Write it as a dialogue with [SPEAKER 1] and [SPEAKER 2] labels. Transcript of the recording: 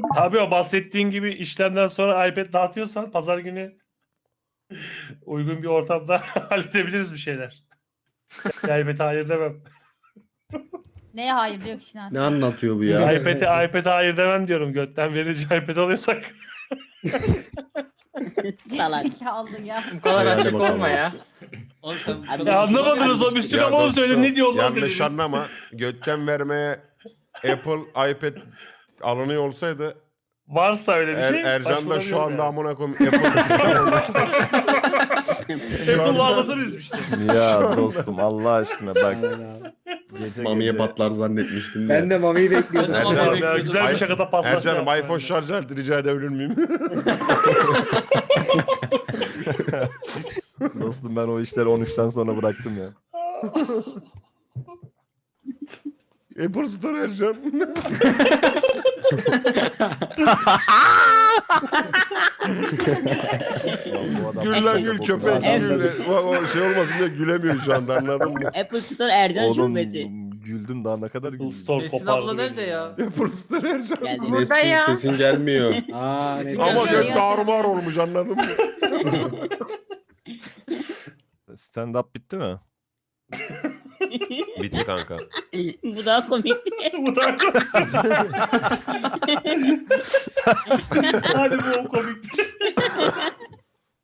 [SPEAKER 1] Abi o bahsettiğin gibi işlemden sonra iPad dağıtıyorsan pazar günü uygun bir ortamda halledebiliriz bir şeyler. iPad'e hayır demem.
[SPEAKER 2] Neye hayır diyor ki Şinas?
[SPEAKER 3] Ne anlatıyor bu ya?
[SPEAKER 1] iPad'e hayır demem diyorum. Götten verici iPad alıyorsak.
[SPEAKER 4] Salak.
[SPEAKER 2] Zekalı ya.
[SPEAKER 5] Bu kadar
[SPEAKER 3] Hadi
[SPEAKER 5] açık
[SPEAKER 3] bakalım.
[SPEAKER 5] olma ya.
[SPEAKER 6] Oğlum sen bu
[SPEAKER 4] Abi
[SPEAKER 6] kadar-
[SPEAKER 1] Ya anlamadınız o Müslüman onu söyle ne diyor lan
[SPEAKER 7] Yanlış
[SPEAKER 1] dediniz.
[SPEAKER 7] anlama. Götten vermeye Apple iPad alınıyor olsaydı
[SPEAKER 1] Varsa öyle bir şey.
[SPEAKER 7] Ercan da şu anda
[SPEAKER 1] başvurabilirim
[SPEAKER 7] amına koyayım Apple sistem olmuş.
[SPEAKER 1] yani. Apple mağazası bizmişti.
[SPEAKER 8] Ya dostum Allah aşkına bak. Gece
[SPEAKER 3] Mamiye
[SPEAKER 8] gece-
[SPEAKER 3] patlar zannetmiştim.
[SPEAKER 9] Ben de Mami'yi bekliyordum.
[SPEAKER 6] Ben de
[SPEAKER 7] Ercan-
[SPEAKER 6] Mami'yi
[SPEAKER 1] Ya,
[SPEAKER 6] bekliyordum.
[SPEAKER 1] güzel bir şakada paslaşma.
[SPEAKER 7] Ercan'ım iPhone şarj aleti rica edebilir miyim?
[SPEAKER 8] Dostum ben o işleri 13'ten sonra bıraktım ya.
[SPEAKER 7] Apple Store Ercan.
[SPEAKER 8] Lan bu adam-
[SPEAKER 7] Gül lan gül köpek gül. O şey olmasın diye gülemiyor şu anda anladın mı?
[SPEAKER 4] Apple Store Ercan
[SPEAKER 8] Oğlum
[SPEAKER 4] şubesi.
[SPEAKER 8] güldüm daha ne kadar
[SPEAKER 1] Apple
[SPEAKER 8] güldüm.
[SPEAKER 1] Store
[SPEAKER 6] Nesin
[SPEAKER 1] kopardı.
[SPEAKER 6] abla nerede
[SPEAKER 1] beni
[SPEAKER 6] ya?
[SPEAKER 7] Apple Store Ercan.
[SPEAKER 4] Geldi.
[SPEAKER 3] Nesin sesin gelmiyor.
[SPEAKER 9] Aa, ne
[SPEAKER 7] Ama
[SPEAKER 2] Geliyor
[SPEAKER 7] gök
[SPEAKER 2] ya.
[SPEAKER 7] tarumar olmuş anladın mı?
[SPEAKER 8] Stand up bitti mi?
[SPEAKER 7] Bitti kanka.
[SPEAKER 4] Bu daha komikti.
[SPEAKER 1] Bu da Hadi bu komik.